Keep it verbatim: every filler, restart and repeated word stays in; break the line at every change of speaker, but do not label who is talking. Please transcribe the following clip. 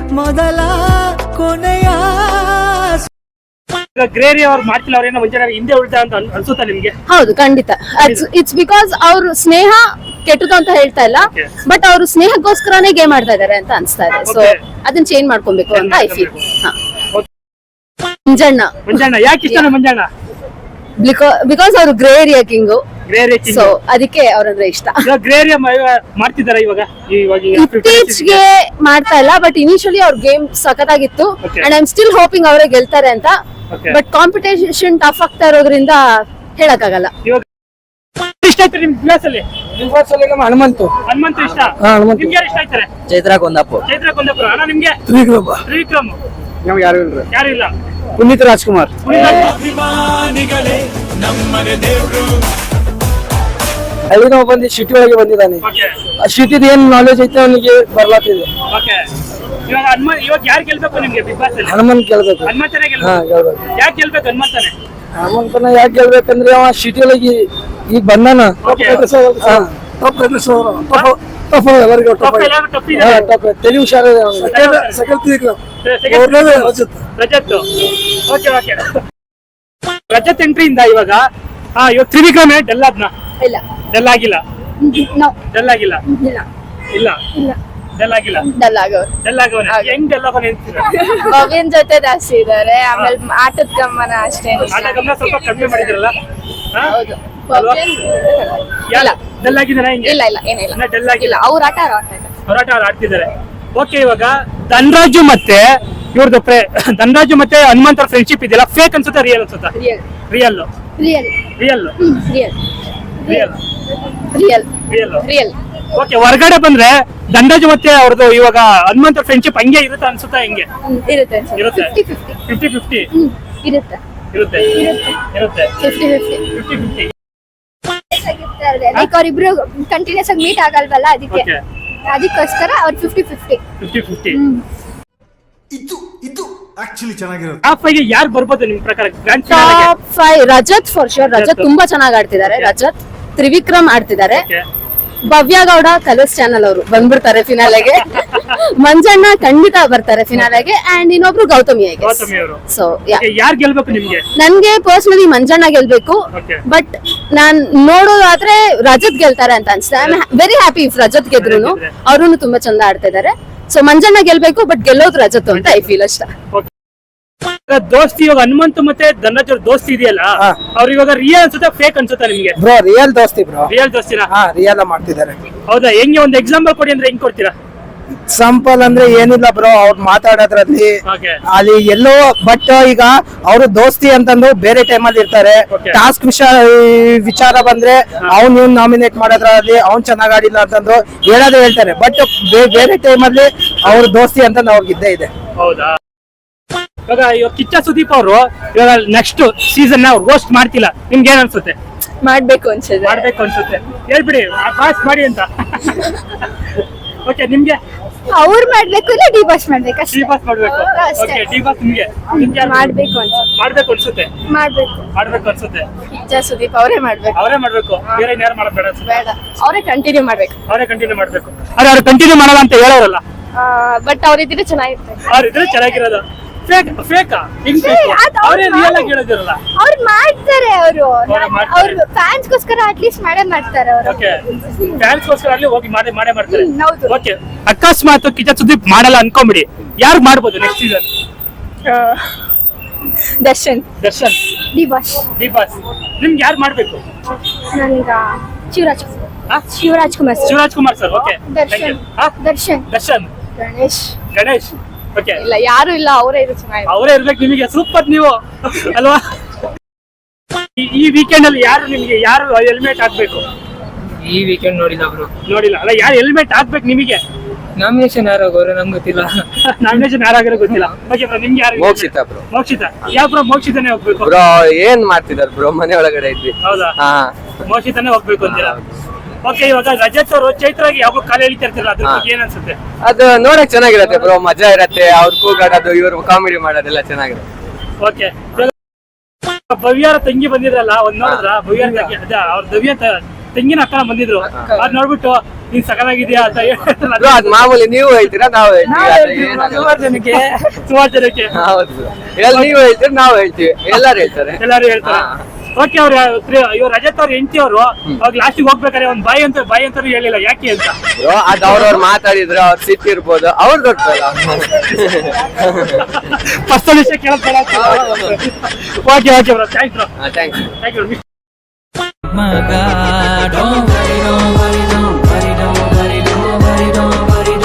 ಮೊದಲ ಕೊನೆಯ
ಗ್ರೇರಿ ಅವ್ರು ಮಾಡ್ತಿಲ್ಲ ಅವ್ರೇನೋ ಮುಂಚೆ ಹಿಂದೆ ಉಳ್ತಾ ಅಂತ ಅನ್ಸುತ್ತಾ ನಿಮ್ಗೆ?
ಹೌದು, ಖಂಡಿತ. ಇಟ್ಸ್ ಬಿಕಾಸ್ ಅವ್ರು ಸ್ನೇಹ ಕೆಟ್ಟದು ಅಂತ ಹೇಳ್ತಾ ಇಲ್ಲ, ಬಟ್ ಅವರು ಸ್ನೇಹಕ್ಕೋಸ್ಕರನೇ ಗೇಮ್ ಆಡ್ತಾ ಇದಾರೆ ಅಂತ ಅನ್ಸ್ತಾ ಇದೆ. ಸೊ ಅದನ್ನ ಚೇಂಜ್ ಮಾಡ್ಕೊಬೇಕು ಅಂತ ಐ ಫೀಲ್. ಮಂಜಣ್ಣ
ಮಂಜಣ್ಣ ಯಾಕೆ ಇಷ್ಟ ಮಂಜಣ್ಣ?
ಬಿಕಾಸ್ ಅವರು ಗ್ರೇ ಏರಿಯಾ ಕಿಂಗು, ಸೊ ಅದಕ್ಕೆ ಅವ್ರಂದ್ರೆ ಇಷ್ಟ.
ಗ್ರೇ ಏರಿಯಾ ಮಾಡ್ತಿದಾರ ಇವಾಗ?
ಇತ್ತೀಚೆಗೆ ಮಾಡ್ತಾ ಇಲ್ಲ, ಬಟ್ ಇನಿಷಿಯಲಿ ಅವ್ರ ಗೇಮ್ ಸಖತ್ತಾಗಿತ್ತು and I am still hoping ಅವರೇ ಗೆಲ್ತಾರೆ ಅಂತ. ಬಟ್ ಕಾಂಪಿಟೇಷನ್ ಟಫ್ ಆಗ್ತಾ ಇರೋದ್ರಿಂದ ಹೇಳಕ್ಕಾಗಲ್ಲ.
ಇಷ್ಟ ಆಯ್ತು ನಿಮ್ ಕ್ಲಾಸ್ ಅಲ್ಲಿ?
ಹನುಮಂತು
ಹನುಮಂತ ಇಷ್ಟ. ನಿಮ್ಗೆ ಯಾರು ಇಷ್ಟ ಆಯ್ತಾರೆ?
ಚೈತ್ರ ಕೊಂದಾಪುರ.
ಚೈತ್ರ ಕೊಂದಾಪುರ. ಅಣ್ಣ ನಿಮ್ಗೆ?
ತ್ರಿವಿಕ್ರಮ.
ತ್ರಿವಿಕ್ರಮ್.
ನಮ್ಗೆ ಯಾರು ಇಲ್ಲ.
ಯಾರು ಇಲ್ಲ.
ಪುನೀತ್ ರಾಜ್ಕುಮಾರ್.
ಅಭಿಮಾನಿಗಳೇ ನಮ್ಮನೆ ದೇವ್ರು.
ಅಲ್ಲಿ ನಾವು ಬಂದು ಸಿಟಿ ಒಳಗೆ ಬಂದಿದ್ದಾನೆ. ಆ ಸಿಟಿದ ಏನ್ ನಾಲೆಜ್ ಐತೆ ಅವನಿಗೆ ಬರ್ಲಾತಿದೆ.
ಇವಾಗ ಹನುಮಂತ ಇವಾಗ ಯಾರು ಗೆಲ್ಬೇಕು ನಿಮ್ಗೆ ಬಿಗ್ ಬಾಸ್ ಅಲ್ಲಿ?
ಹನುಮಂತ್ ಗೆಲ್ಬೇಕು.
ಹನುಮಂತನೇ
ಹಾ
ಗೆಲ್ಬೇಕು.
ಗೆಲ್ಬೇಕು.
ಯಾಕೆ ಗೆಲ್ಬೇಕು ಹನುಮಂತನೇ?
ಹನುಮಂತನ ಯಾಕೆ ಗೆಲ್ಬೇಕಂದ್ರೆ ಅವ ಸಿಟಿ ಒಳಗೆ ಈಗ ಬಂದಾನ. ಎಲ್ಲರಿಗೂ ತೆಲಿ ಹುಷಾರ.
ರಜತ್. Okay okay. ರಜತ್ ಎಂಟ್ರಿಯಿಂದ ಇವಾಗ ಹಾ ಇವಾಗ ತ್ರಿವಿಕ್ರಮ್ ಡೆಲ್ ಆದ್ನ?
ಇಲ್ಲ,
ಡೆಲ್ ಆಗಿಲ್ಲ. ಡೆಲ್ ಆಗಿಲ್ಲ.
ಇಲ್ಲ
ಇಲ್ಲ ಡೆಲ್ ಆಗಿಲ್ಲ.
ಡಲ್ ಆಗವ್ರು.
ಡೆಲ್ ಆಗವನೆ. ಹೆಂಗ್ ಡೆಲ್ ಆಗವನೆ ಅಂತೀರಾ?
ಭವ್ಯನ್ ಜೊತೆ ಜಾಸ್ತಿ ಇದಾರೆ, ಆಮೇಲೆ ಆಟದ ಗಮನ ಅಷ್ಟೇ.
ಆಟ ಗಮನ ಸ್ವಲ್ಪ ಕಡಿಮೆ ಮಾಡಿದ್ರಲ್ಲ?
ಹೌದು.
ಇಲ್ಲ ಡೆಲ್ ಆಗಿದಾರ?
ಇಲ್ಲ ಇಲ್ಲ ಏನಿಲ್ಲ,
ಡೆಲ್ ಆಗಿಲ್ಲ.
ಅವ್ರ ಆಟ ಆಡ್ತಾ ಇದ್ದಾರೆ.
ಹೋರಾಟ ಆಡ್ತಿದ್ದಾರೆ. ಓಕೆ, ಇವಾಗ ಧನರಾಜು ಮತ್ತೆ ಇವ್ರದ್ದು ಧನರಾಜು ಮತ್ತೆ ಹನುಮಂತರ ಫ್ರೆಂಡ್ಶಿಪ್ ಇದೆಯಲ್ಲ, ಫೇಕ್ ಅನ್ಸುತ್ತಾ ರಿಯಲ್ ಅನ್ಸುತ್ತಾ?
Real
real
real
real
real
real
real
real
real.
Okay, ಹೊರಗಡೆ ಬಂದ್ರೆ ಧನರಾಜು ಮತ್ತೆ ಅವ್ರದ್ದು ಇವಾಗ ಹನುಮಂತರ ಫ್ರೆಂಡ್ಶಿಪ್ ಹಂಗೆ ಇರುತ್ತಾ ಅನ್ಸುತ್ತಾ? ಹೆಂಗೆ
ಇರುತ್ತೆ?
ಇರುತ್ತೆ.
ಫಿಫ್ಟಿ
ಫಿಫ್ಟಿ ಫಿಫ್ಟಿ
ಇರುತ್ತೆ.
ಇರುತ್ತೆ ಇರುತ್ತೆ
fifty fifty
fifty fifty.
Like ಅವ್ರಿಬ್ರು ಕಂಟಿನ್ಯೂಸ್ ಆಗಿ ಮೀಟ್ ಆಗಲ್ವಲ್ಲ, ಅದಕ್ಕೆ ಅದಕ್ಕೋಸ್ಕರ ಅವ್ರು ಫಿಫ್ಟಿ ಫಿಫ್ಟಿ
ಫಿಫ್ಟಿ ಫಿಫ್ಟಿ.
ಇದು ಇದು ಆಕ್ಚುಲಿ ಚೆನ್ನಾಗಿರೋದು.
ಟಾಪ್ ಫೈವ್ ಯಾರು ಬರ್ಬೋದು ನಿಮ್ ಪ್ರಕಾರ grand
top five? Rajat for sure. Rajat ತುಂಬಾ ಚೆನ್ನಾಗಿ ಆಡ್ತಿದ್ದಾರೆ. ರಜತ್, ತ್ರಿವಿಕ್ರಮ್ ಆಡ್ತಿದ್ದಾರೆ. ಭವ್ಯ ಗೌಡ ಕಲರ್ಸ್ ಚಾನಲ್ ಅವರು ಬಂದ್ಬಿಡ್ತಾರೆ ಫಿನಾಲೆಗೆ. ಮಂಜಣ್ಣ ಖಂಡಿತ ಬರ್ತಾರೆ ಫಿನಾಲೆಗೆ. ಅಂಡ್ ಇನ್ನೊಬ್ರು ಗೌತಮಿ. ಸೊ
ಯಾರು ಗೆಲ್ಬೇಕು ನಿಮ್ಗೆ?
ನನ್ಗೆ ಪರ್ಸನಲಿ ಮಂಜಣ್ಣ ಗೆಲ್ಬೇಕು, ಬಟ್ ನಾನ್ ನೋಡೋದಾದ್ರೆ ರಜತ್ ಗೆಲ್ತಾರೆ ಅಂತ ಅನ್ಸುತ್ತೆ. I am very happy if Rajat ಗೆದ್ರು. ಅವ್ರು ತುಂಬಾ ಚಂದ ಆಡ್ತಾ ಇದಾರೆ. ಸೊ ಮಂಜಣ್ಣ ಗೆಲ್ಬೇಕು, ಬಟ್ ಗೆಲ್ಲೋದು ರಜತ್ ಅಂತ ಐ ಫೀಲ್ ಅಷ್ಟ.
ದೋಸ್ತಿ ಇವಾಗ ಹನುಮಂತ ಮತ್ತೆ ಧನರಾಜ್ ಅವ್ರ ದೋಸ್ತಿ ಇದೆಯಲ್ಲ, ಅವ್ರು ಇವಾಗ ರಿಯಲ್ ಅನ್ಸುತ್ತಾ ಫೇಕ್ ಅನ್ಸುತ್ತಾ ನಿಮ್ಗೆ?
ಬ್ರೋ ರಿಯಲ್ ದೋಸ್ತಿ ಬ್ರೋ.
ರಿಯಲ್ ದೋಸ್ತಿನ?
ಹಾ ರಿಯಲ್ ಮಾಡ್ತಿದ್ದಾರೆ.
ಹೌದಾ? ಹೆಂಗೆ ಒಂದು ಎಕ್ಸಾಂಪಲ್ ಕೊಡಿ ಅಂದ್ರೆ ಹೆಂಗ್ ಕೊಡ್ತೀರಾ?
ಎಕ್ಸಾಂಪಲ್ ಅಂದ್ರೆ ಏನಿಲ್ಲ ಬ್ರೋ, ಅವ್ರು ಮಾತಾಡೋದ್ರಲ್ಲಿ ಅಲ್ಲಿ ಎಲ್ಲೋ, ಬಟ್ ಈಗ ಅವರು ದೋಸ್ತಿ ಅಂತಂದು ಬೇರೆ ಟೈಮಲ್ಲಿ ಇರ್ತಾರೆ. ಟಾಸ್ಕ್ ವಿಷಯ ವಿಚಾರ ಬಂದ್ರೆ ಅವ್ನ್ ಇವ್ನ್ ನಾಮಿನೇಟ್ ಮಾಡೋದ್ರಲ್ಲಿ ಅವ್ನ್ ಚೆನ್ನಾಗ್ ಆಡಿಲ್ಲ ಅಂತಂದು ಹೇಳೋದೇ ಹೇಳ್ತಾರೆ. ಬಟ್ ಬೇರೆ ಟೈಮಲ್ಲಿ ಅವ್ರ ದೋಸ್ತಿ ಅಂತಂದು ಅವ್ರಿಗೆ ಇದ್ದೇ ಇದೆ.
ಹೌದಾ? ಇವಾಗ ಇವಾಗ ಕಿಚ್ಚ ಸುದೀಪ್ ಅವರು ಇವಾಗ ನೆಕ್ಸ್ಟ್ ಸೀಸನ್ ನ ರೋಸ್ಟ್ ಮಾಡ್ತಿಲ್ಲ, ನಿಮ್ಗೆ ಏನ್ ಅನ್ಸುತ್ತೆ?
ಮಾಡ್ಬೇಕು ಅನ್ಸುತ್ತೆ.
ಮಾಡ್ಬೇಕು ಅನ್ಸುತ್ತೆ. ಹೇಳ್ಬಿಡಿ ಪಾಸ್ ಮಾಡಿ ಅಂತ. ಓಕೆ, ನಿಮ್ಗೆ?
ಅವ್ರು ಮಾಡ್ಬೇಕು ಇಲ್ಲ ಡಿ ಬಾಸ್ ಮಾಡ್ಬೇಕು?
ಡಿ ಬಾಸ್ ಮಾಡ್ಬೇಕು. ಓಕೆ, ಡಿ ಬಾಸ್ ನಿಮ್ಗೆ ನಿಮ್ಗೆ
ಮಾಡ್ಬೇಕು ಅನ್ಸುತ್ತೆ.
ಮಾಡ್ಬೇಕು ಅನ್ಸುತ್ತೆ.
ಮಾಡ್ಬೇಕು
ಮಾಡ್ಬೇಕು ಅನ್ಸುತ್ತೆ.
ಕಿಚ್ಚ ಸುದೀಪ್ ಅವರೇ ಮಾಡ್ಬೇಕು.
ಅವರೇ ಮಾಡ್ಬೇಕು, ಬೇರೆ ಯಾರು ಮಾಡೋದು ಬೇಡ ಅನ್ಸುತ್ತೆ?
ಬೇಡ, ಅವರೇ ಕಂಟಿನ್ಯೂ ಮಾಡ್ಬೇಕು.
ಅವರೇ ಕಂಟಿನ್ಯೂ ಮಾಡ್ಬೇಕು. ಅರೆ ಅವ್ರು ಕಂಟಿನ್ಯೂ ಮಾಡಲ್ಲ ಅಂತ ಹೇಳೋರಲ್ಲ,
ಬಟ್ ಅವ್ರಿದ್ರೆ ಚೆನ್ನಾಗಿರುತ್ತೆ.
ಅವ್ರಿದ್ರೆ ಚೆನ್ನಾಗಿರೋದು. ಫೇಕ್ ಫೇಕಾ? ಹಿಂಗ್ ಫೇಕ್? ಅವರೇ ರಿಯಲ್ ಆಗಿ ಹೇಳೋದಿರಲ್ಲ.
ಅವ್ರು ಮಾಡ್ತಾರೆ. ಅವರು ಅವ್ರ ಫ್ಯಾನ್ಸ್ ಗೋಸ್ಕರ ಅಟ್ಲೀಸ್ಟ್ ಮಾಡೇ ಮಾಡ್ತಾರೆ ಅವರು.
ಓಕೆ, ಫ್ಯಾನ್ಸ್ ಗೋಸ್ಕರ ಅಲ್ಲಿ ಹೋಗಿ ಮಾಡೇ ಮಾಡೇ ಮಾಡ್ತಾರೆ.
ಹೌದು.
ಓಕೆ, ಅಕಸ್ಮಾತ್ ಕಿಚ್ಚ ಸುದೀಪ್ ಮಾಡಲ್ಲ ಅನ್ಕೊಂಬಿಡಿ, ಯಾರು ಮಾಡ್ಬೋದು next season?
Darshan.
Darshan.
D boss.
D boss. ನಿಮ್ಗೆ ಯಾರು ಮಾಡ್ಬೇಕು?
ನನಗ Shivraj Shivraj Kumar.
Shivraj Kumar sir. Okay,
Darshan. Darshan.
Darshan.
Ganesh.
Ganesh. Okay,
ಇಲ್ಲ ಯಾರು ಇಲ್ಲ, ಅವರೇ ಇದ್ರೆ ಚೆನ್ನಾಗಿದೆ.
ಅವರೇ ಇರ್ಬೇಕು ನಿಮಗೆ. ಸೂಪರ್ ನೀವು ಅಲ್ವಾ? ಈ ವೀಕೆಂಡ್ ಅಲ್ಲಿ ಯಾರು ನಿಮ್ಗೆ ಯಾರು ಹೆಲ್ಮೆಟ್ ಹಾಕ್ಬೇಕು?
ಈ ವೀಕೆಂಡ್ ನೋಡಿಲ್ಲ ಬ್ರೋ.
ನೋಡಿಲ್ಲ ಅಲ್ಲ? ಯಾರು ಹೆಲ್ಮೆಟ್ ಹಾಕ್ಬೇಕು ನಿಮಗೆ?
ನಾಮಿನೇಷನ್ ಯಾರು ಆಗೋರು ನಮ್ಗೆ ಗೊತ್ತಿಲ್ಲ.
ನಾಮಿನೇಷನ್ ಯಾರಾಗಿರೋ ಗೊತ್ತಿಲ್ಲ. ಓಕೆ ಬ್ರೋ, ನಿಮ್ಗೆ ಯಾರು?
ಮೋಕ್ಷಿತಾ ಬ್ರೋ.
ಮೋಕ್ಷಿತಾ. ಯಾವ ಬ್ರೋ? ಮೋಕ್ಷಿತಾನೇ ಹೋಗ್ಬೇಕು
ಬ್ರೋ. ಏನ್ ಮಾಡ್ತಿದಾರೆ ಬ್ರೋ, ಮನೆ ಒಳಗಡೆ ಇದ್ವಿ.
ಹೌದಾ? ಮೋಕ್ಷಿತಾನೇ ಹೋಗ್ಬೇಕು ಅಂತೀರಾ? ಓಕೆ, ಇವಾಗ ರಜತ್ ಅವರು ಚೈತ್ರಾಗಿ ಯಾವಾಗ ಕಾಲ ಎಳಿತಾ ಇರ್ತಾರಲ್ಲ, ಅದ್ರ ಬಗ್ಗೆ ಏನ್ ಅನ್ಸುತ್ತೆ?
ಅದು ನೋಡಕ್ ಚೆನ್ನಾಗಿರತ್ತೆ ಬ್ರೋ, ಮಜಾ ಇರತ್ತೆ. ಅವ್ರು ಕೂಗಾಡೋದು, ಇವ್ರು ಕಾಮಿಡಿ ಮಾಡೋದೆಲ್ಲ ಚೆನ್ನಾಗಿರುತ್ತೆ.
ಓಕೆ, ಭವ್ಯಾರ ತಂಗಿ ಬಂದಿರಲ್ಲ, ಒಂದ್ ನೋಡಿದ್ರ? ಭವ್ಯಾರ ತಂಗಿ ಅದ ಅವ್ರ ದವ್ಯ ತೆಂಗಿನ ಅಕ್ಕ ಬಂದಿದ್ರು ಅದ್ ನೋಡ್ಬಿಟ್ಟು ನೀನ್ ಸಕಲಾಗಿದ್ಯಾ ಅಂತ ಹೇಳ್ತಾರಲ್ಲ,
ಬ್ರೋ ಅದ್ ಮಾಮೂಲಿ ನೀವು ಹೇಳ್ತೀರಾ ನಾವು ಹೇಳ್ತೀವಿ
ಸುಮಾರು ಜನಕ್ಕೆ
ಸುಮಾರು ಜನಕ್ಕೆ
ಹೌದು ಎಲ್ಲ ನೀವು ಹೇಳ್ತೀರಿ ನಾವು ಹೇಳ್ತೀವಿ ಎಲ್ಲಾರು ಹೇಳ್ತಾರೆ
ಎಲ್ಲಾರು ಹೇಳ್ತಾರೆ. ಓಕೆ ಅವ್ರ ಇವ್ರು ರಜತ್ ಅವ್ರ ಹೆಂಡತಿ ಅವರು ಅವಾಗ ಲಾಸ್ಟಿಗೆ ಹೋಗ್ಬೇಕಾದ್ರೆ ಒಂದ್ ಬಾಯಿ ಅಂತ ಬಾಯಿ ಅಂತಾನು ಹೇಳಿಲ್ಲ, ಯಾಕೆ ಅಂತ.
ಬ್ರೋ ಅದ್ ಅವ್ರವ್ರು ಮಾತಾಡಿದ್ರು ಅವ್ರು ಸಿಟ್ಟಿರ್ಬೋದು ಅವ್ರು ಗೊತ್ತಲ್ಲ.
ಫಸ್ಟ್ ವಿಷಯ ಕೇಳೋದ್ okay okay bro, thanks bro,
thanks
thank you.
ಮಗ don't worry, don't